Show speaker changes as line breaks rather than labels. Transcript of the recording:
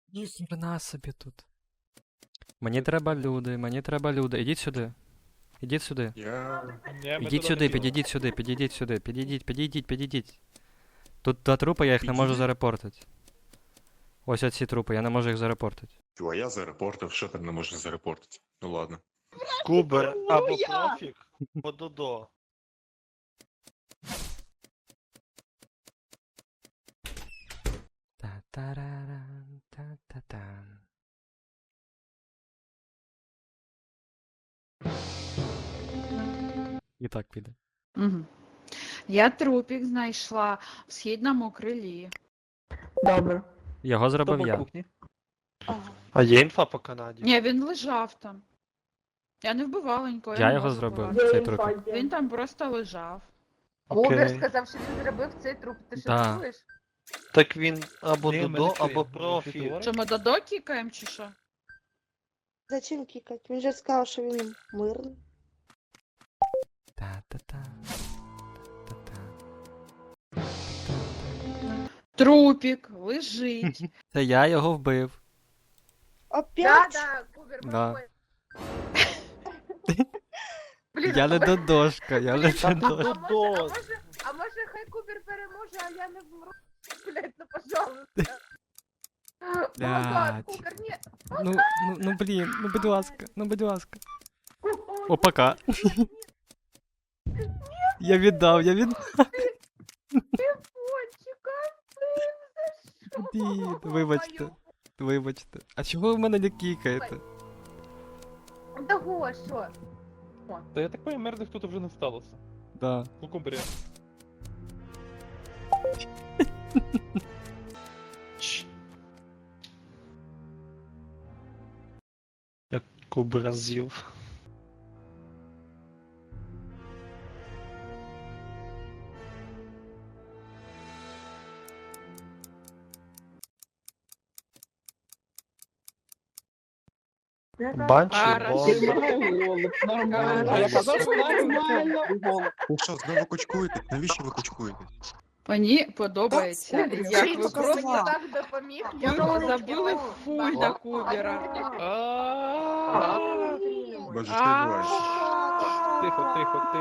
Ні, хрена собі тут. Мені треба люди. Ідіть сюди. Ідіть сюди. Ідіть сюди, підійдіть сюди, підійдіть сюди. Підійдіть. Тут два трупи, я їх не можу зарепортити. Ось оці трупи, я не можу їх зарепортити.
А я зарепортив, що там не можна зарепортити? Ну ладно.
Кубер або профік, або Додо.
Та-тараран, та-та-тан. І так піде.
Угу. Я трупік знайшла в східному крилі.
Добре.
Його зробив я.
А є інфа по Канаді?
Ні, він лежав там. Я не вбивала нікого.
Я
не
його
можу
зробив,
вбивати.
цей трупик.
Він там просто лежав.
Кубер
Окей.
сказав, що ти зробив цей труп. Ти що
Да.
чуєш?
Так він або
Ні, ми
Додо,
не чуємо.
або
Ти
профі.
говориш?
Що ми Додо кікаємо чи що?
Зачем кікати? Він же сказав, що він мирний.
Та-та-та. Та-та.
Трупік лежить.
Це я його вбив.
Опять?
Да, Кубер,
Да.
проходь. Блін,
Я не додошка, я не
Та
додошка.
Додо.
а може хай Кубер переможе, а я не вмру? Блять, ну пожалуйста.
Блядь.
Кубер, ні.
Ну блін, ну будь ласка. О, пока. Я віддав.
Почекай,
Блін, вибачте. А чого ви мене не кікаєте?
Того, що?
Та я так понимаю, мирних тут вже не сталося.
Да.
У Кубері.
Як Кубера з'їв. Банші,
Хорошо.
бомба.
Нормально.
А я казав, що нормально.
Ви що, знову кучкуєте? Навіщо ви кучкуєте?
Мені подобається, як ви
Просто мені
просто
так допоміг.
ви забили фуль на Кубера.
А-а-а.
Боже, що відбувається?
Тихо.